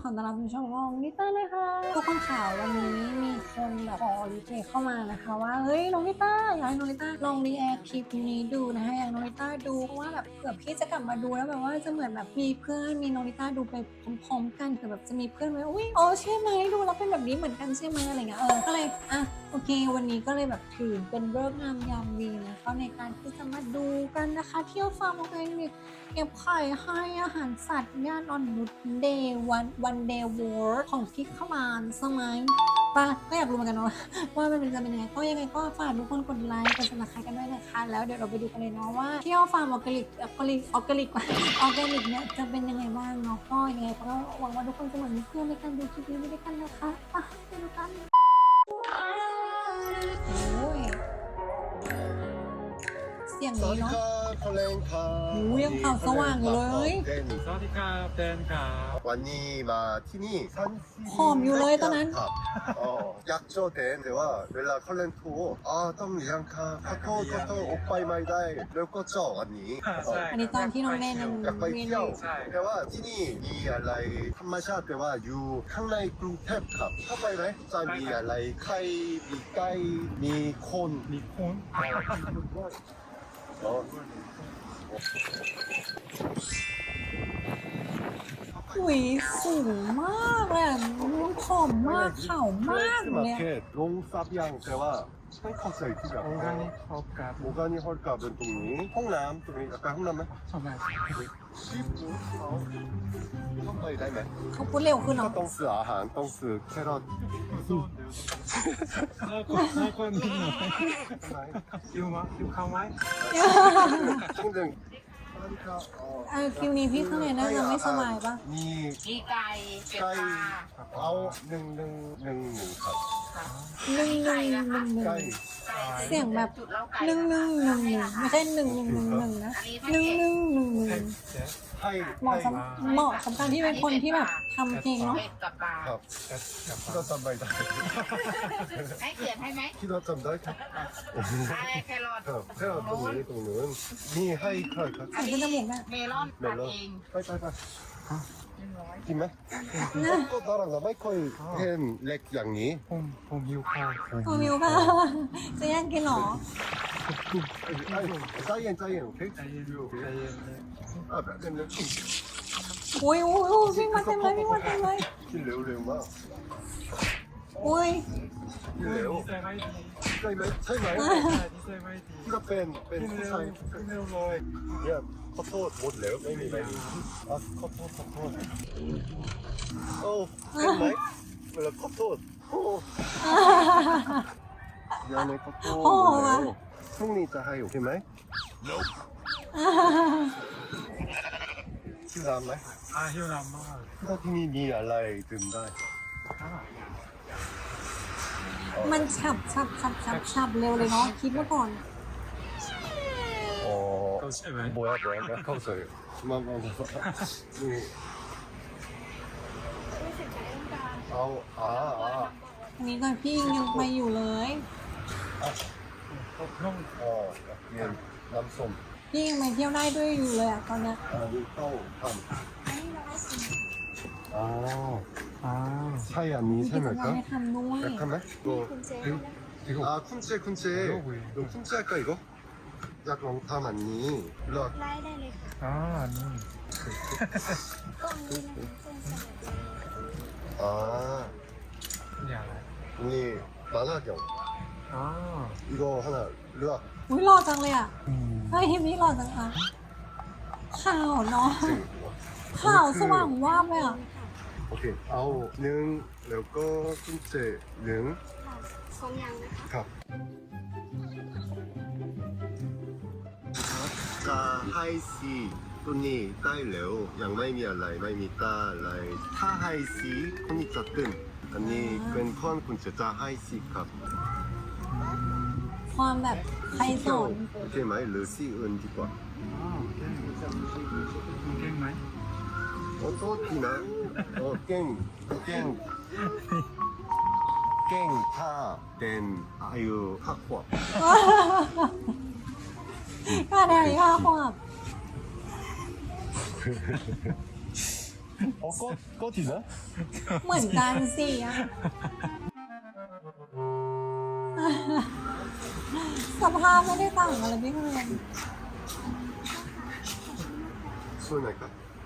อต้อนรับคุณผู้ชมของนิต้าเลยค่ะทุกคนข่าววันนี้มีคนแบบขอรีเควสเข้ามานะคะว่าเฮ้ยน้องนิต้าอยากให้น้องนิต้าลองรีแอคคลิปนี้ดูนะคะอยากน้องนิต้าดูเพราะว่าแบบเผื่อพี่จะกลับมาดูแล้วแบบว่าจะเหมือนแบบมีเพื่อนมีน้องนิต้าดูไปพร้อมๆกันเผื่อแบบจะมีเพื่อนไว้อุ้ยอ๋อใช่ไหมดูแล้วเป็นแบบนี้เหมือนกันใช่ไหมอะไรเงี้ยก็เลยอ่ะโอเควันนี้ก็เลยแบบถือเป็นฤกษ์งามยามดีนะคะในการที่จะมาดูกันนะคะเที่ยวฟาร์มออร์แกนิกเก็บไข่ให้อาหารสัตว์ย่านอ่อนนุชเดย์วันเดย์วอร์ของพี่ขมานสมัยป่ะก็อยากรู้เหมือนกันเนาะว่ามันจะเป็นยังไงก็ยังไงก็ฝากทุกคนกดไลค์กดซับสไครต์กันด้วยนะคะแล้วเดี๋ยวเราไปดูกันเลยเนาะว่าเที่ยวฟาร์มออร์แกนิกเนี่ยจะเป็นยังไงบ้างเนาะก็ยังไงก็หวังว่าทุกคนจะเหมือนเพื่อนในการดูคลิปนี้ด้วยกันนะคะไปดูกันโอ้ยเสียงนี้เนาะหูยังขาวสว่างอยู่เลยสวัสดีครับเดนครับวันนี้มาที่นี่ผอมอยู่เลยตอนนั้นครับอยากเจอเดนแต่ว่าเวลาเขาเล่นทัวร์ต้องเลี้ยงค่ะขอโทษโอไปไม่ได้แล้วก็เจาะอันนี้ใช่อันนี้ตอนที่น้องเล่นยังอยากไปเรียนเที่ยวใช่แต่ว่าที่นี่มีอะไรธรรมชาติแต่ว่าอยู่ข้างในกรุงเทพครับเข้าไปไหมจะมีอะไรไข่มีไก่มีคนมีคนอ๋อหุยสูงมากเลยอะผอมมากขาวมากเลยอะลงซับยังแต่ว่าไม่เข้าใจที่แบบโอเคนี่ครบกับโมกานี่ฮอลกับเป็นตรงนี้ห้องน้ำตรงนี้ไปห้องน้ำไหมสมัยชิปเขาต้องไปได้ไหมเขาพูดเร็วขึ้นก็เนาะต้องซื้ออาหารต้องซื้อแครอทน่ากลัวนิดหน่อยอยู่เข้าไหมช่วงหนึ่งคิวนี้พี่ข้างในน่าจะไม่สบายปะมีมีไก่เป็ดไก่ปลาเอาหนึ่งครับหนึ่งไก่เสียงแบบจุดเล้าไก่หนึ่งไม่ใช่หนึ่งนะหนึ่งให้เหมาะสำคัญที่เป็นคนที่แบบทำเพลงเนาะเป็ดกับปลาครับที่เราจำไม่ได้ให้เขียนให้ไหมที่เราจำได้ครับอะไรแครอทครับแครอทตรงนี้ตรงนู้นมีให้ใครครับใส่ขึ้นจมูกน่ะเมลอนเมตัดลอนเองไป 100 กินไหมก็ตอนเราไม่ค่อยเห็นเล็กอย่างนี้ผมหิวข้าวตัวมิวค่ะจะแย่งกินเหรอใจเย็นโอเคใจเย็นใจเย็นแบบนี้อุ้ยวิ่งมาเต็มเลยกินเร็วมากอุ้ยกินเร็วดีใจไหมดีใช่ไหมใช่ไหมดีใจไหมดีที่เราเป็นขึ้นผู้เร็วชายขึ้นเร็วเลยเนี่ยขอโทษหมดแล้วไม่มีขอโทษโอ้เห็นไหมเวลาขอโทษโอ้ยังไม่ขอโทษแล้วพรุ่งนี้จะให้โอเคไหมชื่อร้านไหมหิวน้ำมากที่นี่มีอะไรดื่มได้มันฉับเร็วเลยเนาะคิดมาก่อนเขาใช่ไหม 뭐야เข้าใจมาเอาอันนี้ก่อนพี่ยังไปอยู่เลยน้องเรียนน้ำส้มพี่ยังไปเที่ยวได้ด้วยอยู่เลยอะตอนเนี้ยดูเข้าทำใช่อันนี้มีใช่กิไหมจกรครรัมบให้ทำด้วยอยากทำไหม쿤채 너 쿤채 할까 이거? 약 롱탐 아니 일로 와 ได้เลยค่ะนี่กล้องนี้นะคะเส้นสลัด 아 อย่างไร 언니 만화경 이거 하나 일로 와 อุ้ยหล่อจังเลยอะเฮ้ยทีมนี้หล่อจังอะขาวเนาะขาวสว่างวาบเลยอะ 오케이 아우 능แล้วก็ 쿤채 능 สองอย่างนะคะครับจะให้สีตัวนี้ได้แล้วยังไม่มีอะไรไม่มีตาอะไรถ้าให้สีคนนี้จะตื่นอันนี้เป็นคนคุณจะให้สีครับความแบบใครสอนโอเคไหมหรือสีอื่นดีกว่าเก่งไหมโอ้โทษทีนะเก่งถ้าเป็นอายุ5 ขวบก็ได้ค่ะความ 꺼지나? เหมือนกันสิอะสภาพไม่ได้ต่างกันเลยพี่เพื่อน 수원할까?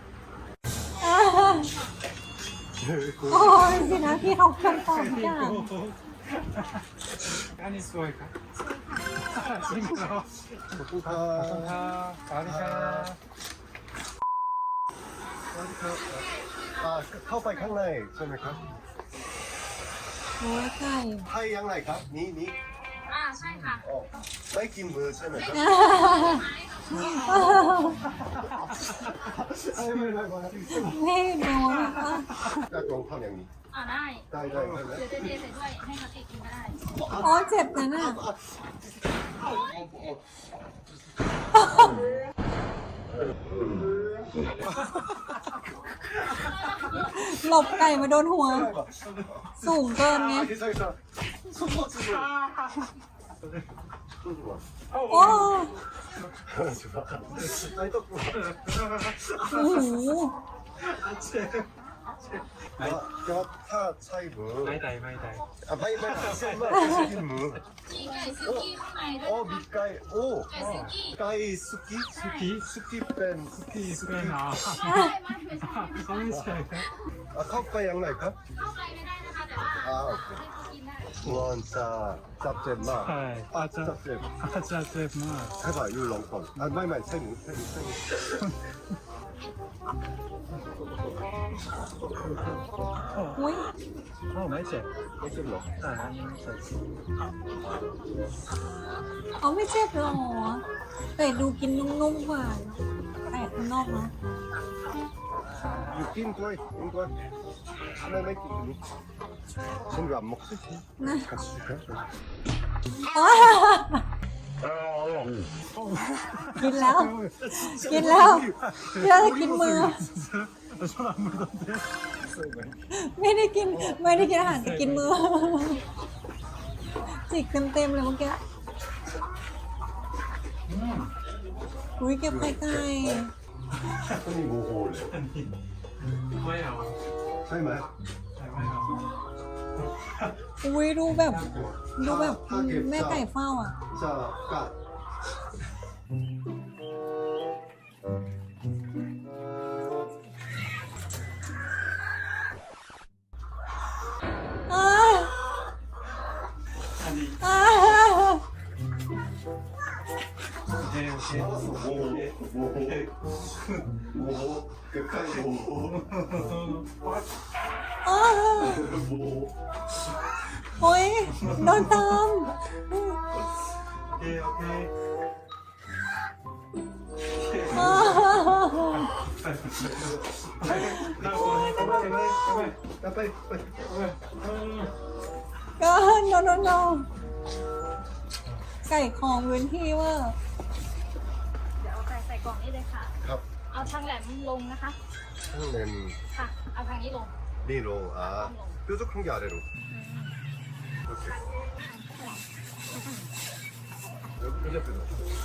โอ้ยสินะพี่เขาควรตอบทุกอย่าง 까니 수호할까? 힘들어. 아, 아리카. 아, 카우파이 캉나이 수원할까? โอ้ยไก่ 하이 양나이까? 니? ใช่ค่ะ 마이킹 뭐 수원할까? 아이, 왜, นี่ดูนะคะ 깍동 탕양니. ได้ 다이, เดี๋ยวจะเทใส่ด้วยให้เขาติดกินก็ได้โอ้ยเจ็บนะน่ะหลบไก่มาโดนหัว สูงเกินไง 괜찮아. 손 좋아. โอ้ 좋아. 아니, 또. โอ้โห 타 차이브. 마이다이, 마이다이. 아, 바이 무. มีไก่ซึกี้ข้างในด้วย 밑가이. 오. ไก่ซึกี้ 가이 수키? 수키 뺀. 수키 그래, 나. ใช่มาเผื่อจะ 성인 차이가? 아, 카우파이 양나이까? เข้าไปไม่ได้นะคะแต่ว่า 아, 오케이. กินได้ 원짜 짭잼마. 하이. 아, 짭잼. 아짜, 쟤마. 해봐, 율렁콘. 아, 마이, 세무. อุ้ย 맛있지? 짭잼 넣어. 아, 아니, 맛있지. เขาไม่เจ็บหรอแต่ดูกินนุ่มๆกว่าแต่ข้างนอกเนาะ 육긴 거이, 인거. 하나 맥기 니. 친구 안 먹지? 같이 줄까? กินแล้ว กินแล้วเพื่อจะกินมือ 손안 물던데? ไม่ได้กินอาหารแต่กินมือ จิกเต็มๆเลยเมื่อกี้อุ้ยเก็บไข่ไก่ 손이 뭐 올래? 뭐야? 설마? อุ้ยดูแบบแม่ไก่เฝ้าอ่ะ 자, 까. อ้า 아니, อ้า 오케이, 오케이. 뭐, 끝까지 뭐, อ้า 뭐. โอ้ยโดนตาม 오케이, 오케이. อ้า 나 오늘 빨리. 야, 빨리, 빨리. ก็โนไก่ของพื้นที่เว่าเดี๋ยวเอาไก่ใส่กล่องนี้เลยค่ะ 갑, เอาทางแหลมลงนะคะ 상렘, ค่ะ เอาทางนี้ลง 니로, 아, 뾰족한 게 아래로. 이렇게. 여기 뾰족.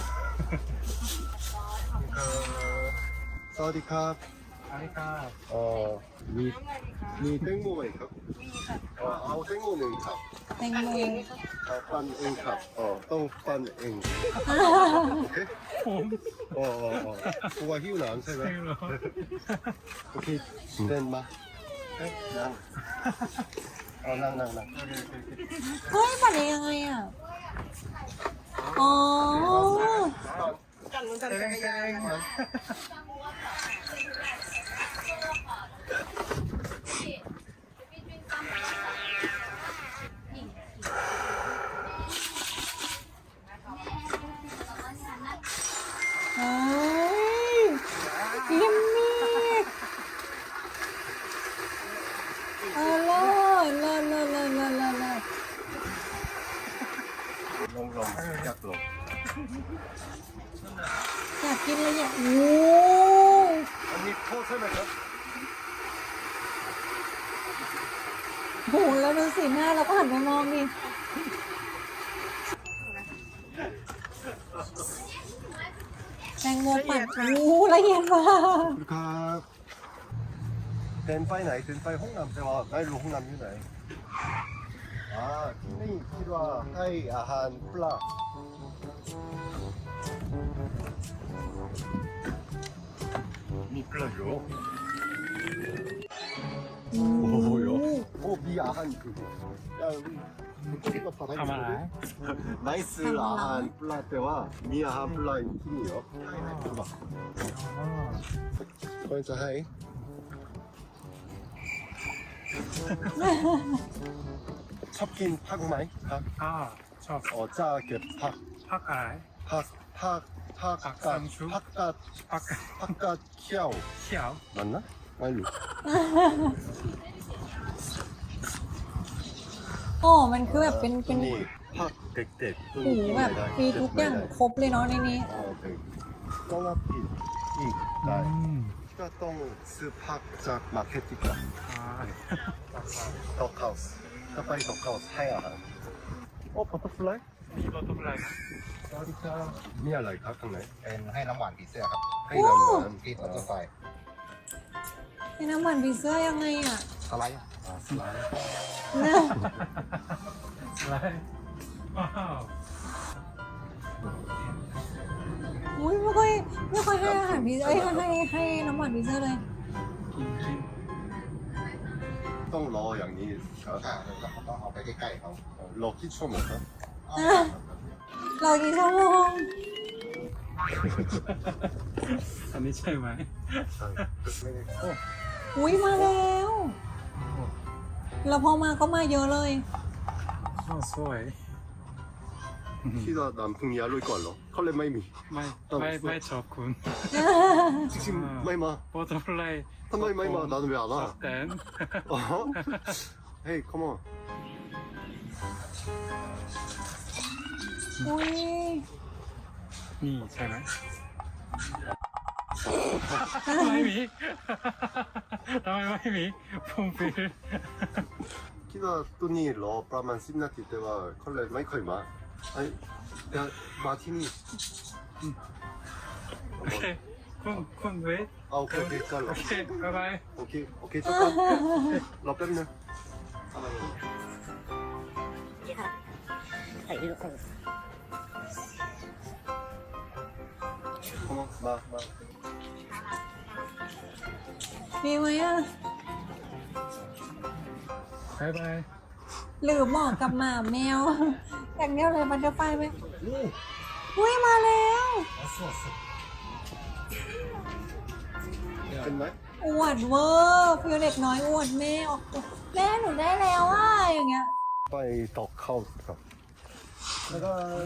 사와디캅. 아니까. 니 땡모가 있까? 아우 땡모는 캅. แตงโม 빤응 캅. 똥빤응. 오케이? 그거 희우나 안 세나? 오케이. 된 마. 낭. 낭. เฮ้ยปัดยังไงอ่ะ อ๋อ เฮ้ยกิมมี่เลิศ 롱롱. 약도. อยากกินเลยอ่ะโอ้ 언니 코 설명해. โหแล้วดูสีหน้าเราก็หันไปมองดิแตงโมปั่นโอ้ละเอียดมาก 가. นไปไหนเดินไปห้องน้ำแต่ว่าไม่รู้ห้องน้ำอยู่ไหนนี่คิดว่าให้อาหารปลามีปลาอยู่โอ้โหโอ้มีอาหารคือทำอะไร 나이스 아한 플라 때와 미아한 플라 팀이요. 봐봐. 거기서 하이. 첩긴 팍마이? 팍. อ้าวชอบ 짜게 팍. พักอะไร 상추? 팍갓 키아오. เขียว 맞나? 말로. โอ้มันคือแบบเป็น 팍 덱덱. หูแบบมีทุกอย่างครบเลยเนาะในนี้ 네. 똥아피. 이. อื 나. ม 피가똥 스팍작 마케티카. ใช่ 덕하우스. 까파이 덕하우스 하야. 버터플라이? มีรถตุ๊กอะไรนะ 사리카. 미알라이 가끔네. เป็นให้น้ำหวานผีเสื้อครับ 하이남만. ที่ตัวตัวไฟเป็นน้ำมันผีเสื้อยังไงอ่ะสไลด์ 아, 슬라이. อะไรว้าวอุ้ยไม่ค่อยให้อาหารผีเอ้ยให้น้ำมันผีเสื้อเลยกินกิน 똥러 양이. ค่ะแล้วก็ต้องเอาไปใกล้ๆเขา 럭키 초모가. เรากี่ชั่วโมงอันนี้ใช่ไหมอุ้ยมาแล้วแล้วพอมาก็มาเยอะเลยอ้าวสวย 키가 남풍이 알로이 걸러. 컬레 마이미. ไม่ชอบคุณ 지금 마이마. โปรตุเกส 한마이 마이마. 나는 왜 안 ชอ 와? บแตน 어? 헤이, 컴온. อุ้ยนี่ใช่ไหมไม่มีทำไมไม่มีพุ่งฟิล 키가 또니 러 브라만 심나티 때와 컬레 마이커이 마. 아니, 야, 마티니. โอเคคุณเวท 아, 오케이, 오케이, โอ 잘라. เคบ๊ายบาย 오케이, 오케이, 잠깐. 러 뺨네. 컴온, 마. มีไหมอ่ะบ๊ายบายหรือเหมาะกับหมาแมว อย่างเดียวเลยบันเดอร์ไฟไหมอุ้ยมาแล้ว 됐나요? อวดเวอร์ฟิวเด็กน้อยอวดแม่ออกแม่หนูได้แล้วอ่ะอย่างเงี้ย 빠이 덕하우스가. 내가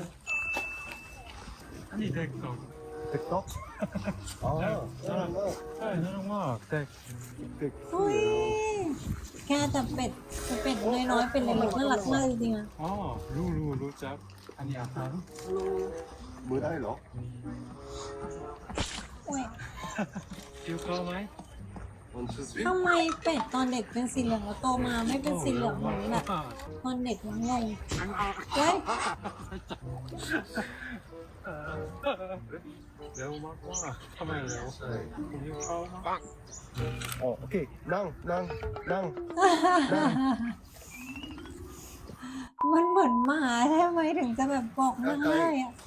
อันนี้เด็กตก 백덕? 아, ใช่น่ารักมากเด็กอุ้ย 백덕. แค่แต่เป็ดน้อยๆเป็นเล็กๆน่ารักมากจริงๆอ่ะอ๋อรู้จักอันนี้อาหาร 뭐다이러? อุ้ยคิวเข้าไหม 원투스. ทำไมเป็ดตอนเด็กเป็นสีเหลืองแล้วโตมาไม่เป็นสีเหลืองเหมือนแบบตอนเด็กมันงงเฮ้ยเร็วมากว่าทำไมเร็วคิวเข้ามา 오케이. 낭. มันเหมือนหมาใช่ไหมถึงจะแบบบอกง่ายๆอ่ะ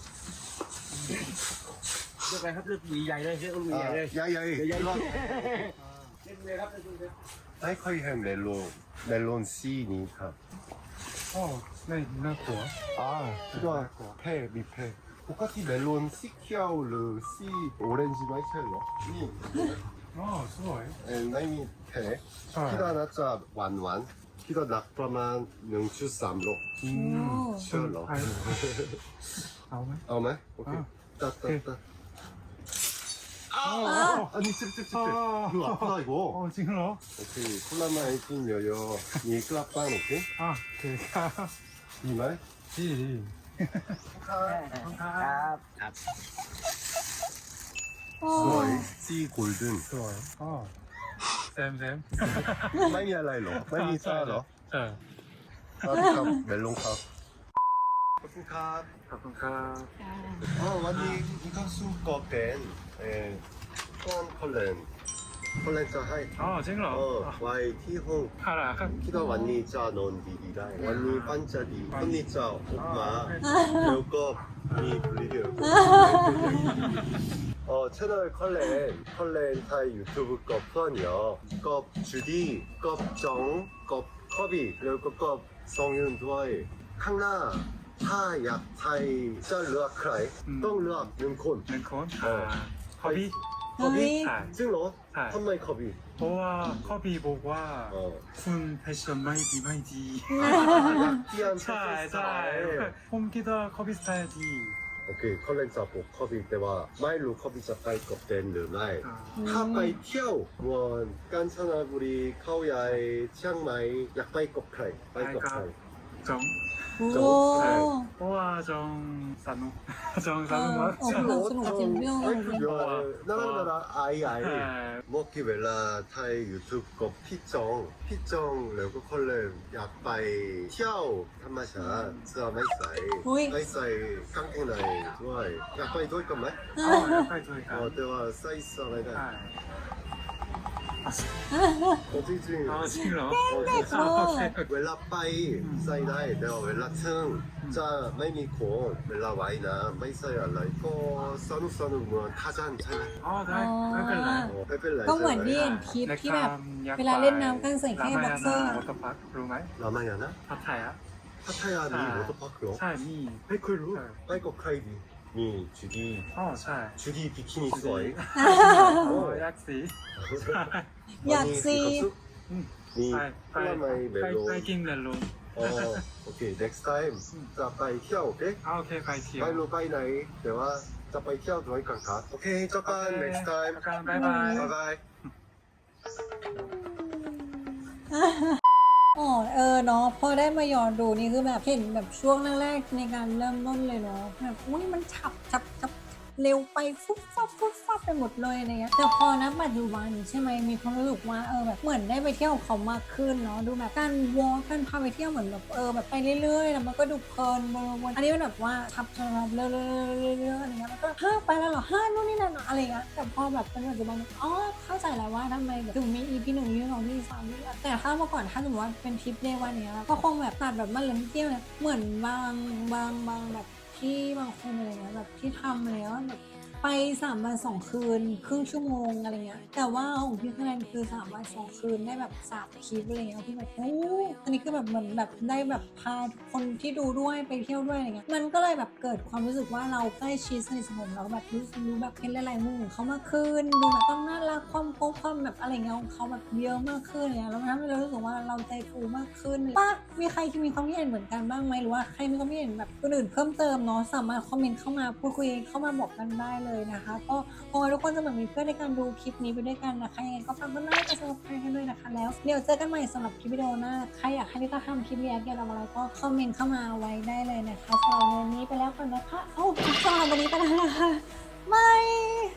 เลือกอะไรครับเลือกหวีใหญ่เลยเลือกหวีใหญ่เลย 야야이. 이거. 사이코이 햄 멜론 C니까. โอ้ไม่น่ากลัว 아, 이거 폐 미폐. 똑같이 멜론 C키아우르 C 오렌지 마이첼로. 니. อ๋อสวย 나이미 폐. 아. 키다 나짜 완완. 키다 낙프라만 능추 쌈로. อืม 셜러. เอาไหม 아마? 오케이. 아. 따따따. 아. 아니 찝찝찝찝. 아. 이거 아프다 이거. โอ้จริงเหรอ 오케이. 콜라마 에이틴 여여. 니 클라빵 오케이. อ่ะโอเคครับ 이말. ดีดีโอ้ 스와이. C 골든. สวยอ๋อแซม 마이미 알라일로. 마이미 싸러. เออ 사드캅 멜론캅. 커튼캅. ขอบคุณครับ 완니 이카수 거벤. 또한 컬렌. คนแรกจะให้อ๋อจริงเหรอไว้ที่ห้องอะไรครับคิดว่าวันนี้จะนอนดีๆได้วันนี้ปันจะดีวันนี้จะออกมาแล้วก็มีวิดีโอ채널 컬렌 타이 유튜브 거 펀이요 거 주디 껍정 껍 커비 그리고 껍 성윤 도와이 캉나 타약 타이 짤 르악 크라이 똥 르악 능콘 หนึ่งคนคอบี 커비 아. 찡로 아. 탐마이 커비 เพราะว่าคอบีบอกว่า 어 คุณแฟชั่นไม่ดี 약기한 ใช่ใช่ผมคิดว่าคอบีสไตล์ดี 오케이 컬렌 자보 커비 때와 마일로 커비 자빠이 껍된 르나이 อ่า 카바이 티아오 원 깐차나부리 카오야이 치앙마이 약바이 껍크라이 바이 껍크라이 จงโอ้เพราะว่าจงสนุกจงสนุกมากโอ้โหสนุกจริงเรื่องเลย 나라나라 아이 ใช่ 아이 먹기 웰라 타이 유튜브 거 피정 레고 컬렌 약바이 티아오 한마샤 쓰아 마이사이 오이. 마이사이 깡통나이 좋아이 약바이 도이 깜마이 อ๋อแล้วไปด้วยกัน 대화 사이스 ใช่ 마이다 어찌지 อ๋อจริงเหรอ 어, โอเค 웰라 빠이 사이다이 내가 웰라 층 자, 마이미 콘 웰라 와이나 마이사이 알라 이거 써누 뭐 타잔 차이 อ๋อได้ไม่เป็นไร 빼뺄라 ก็เหมือนที่เห็นคลิปที่แบบ เวลาเล่นน้ำกันใส่แค่บ็อกเซอร์วอเตอร์พาร์ครู้ไหม 라마야나 พัทยา 파타야니 아. 워터파크요 ใช่มี 페이클루 네. 빠이거 크라이디 미 주디 อ๋อใช่ 주디 비키니 스와이 โอ้ยักษ์สีอยากซี 미 ไปไป 콜라마이 ไป 멜로 ไปกินเลยลุง 어 오케이 넥스트 타임 자 빠이 티아 오케이 อ๋อโอเคไปเที่ยว 빠이로 빠이 나이 대화 자 빠이 티아 도이 깡카 오케이 잠깐 넥스트 타임 กันบ๊ายบาย 바이바이 อ๋อเนาะพอได้มาย้อนดูนี่คือแบบเห็นแบบช่วงแรกๆในการเริ่มต้นเลยเนาะแบบอุ้ยมันฉับเร็วไปฟุบฟับไปหมดเลยอะไรเงี้ยแต่พอนะปัจจุบันใช่ไหมมีความรู้สึกว่าแบบเหมือนได้ไปเที่ยวเขามากขึ้นเนาะดูแบบการวอล์กการพาไปเที่ยวเหมือนแบบแบบไปเรื่อยๆแล้วมันก็ดูเพลินวนอันนี้มันแบบว่าฉับเรื่อยๆอะไรเงี้ยมันก็ไปแล้วเหรอนู่นนี่นั่นอะไรเงี้ยแต่พอแบบเป็นปัจจุบันอ๋อเข้าใจแล้วว่าทำไมแบบถึงมี EP 1 EP 2 EP 3นี่แต่ถ้าเมื่อก่อนถ้าสมมติว่าเป็นทริปเดย์วันเนี้ยก็คงแบบตัดแบบมาเล่นเที่ยวเนี่ยเหมือนบางแบบที่บางคนอะไรเงี้ยแบบที่ทำอะไรว่าแบบไป3 วัน 2 คืนครึ่งชั่วโมงอะไรเงี้ยแต่ว่าของพี่คะแนนคือ3 วัน 2 คืนได้แบบ3 คลิปอะไรเงี้ยที่แบบโอ้อันนี้คือแบบเหมือนแบบได้แบบพาคนที่ดูด้วยไปเที่ยวด้วยอะไรเงี้ยมันก็เลยแบบเกิดความรู้สึกว่าเราใกล้ชิดสนิทสนมเราแบบรู้แบบเห็นหลายๆมุมของเขามากขึ้นดูแบบต้องน่ารักความแบบอะไรเงี้ยของเขาแบบเยอะมากขึ้นเนี่ยแล้วมันทำให้เรารู้สึกว่าเราใจฟูมากขึ้นป่ะมีใครที่มีความคิดเห็นเหมือนกันบ้างไหมหรือว่าใครมีความคิดเห็นแบบคนอื่นเพิ่มเติมเนาะสามารถคอมเมนต์เข้ามาพูดคุยเข้ามาบอกกันได้เลยนะคะก็ขอให้ทุกคนจะแบบมีเพื่อนในการดูคลิปนี้ไปด้วยกันนะคะยังไงก็ฝากกดไลค์กดซับสไครต์กันด้วยนะคะแล้วเดี๋ยวเจอกันใหม่สำหรับคลิปวิดีโอหน้าใครอยากให้ลิต้าทำคลิปเรียกเกี่ยวกับอะไรก็คอมเมนต์เข้ามาไว้ได้เลยนะคะสำหรับวันนี้ไปแล้วก่อนนะคะสำหรับวันนี้ไปแล้วนะคะบาย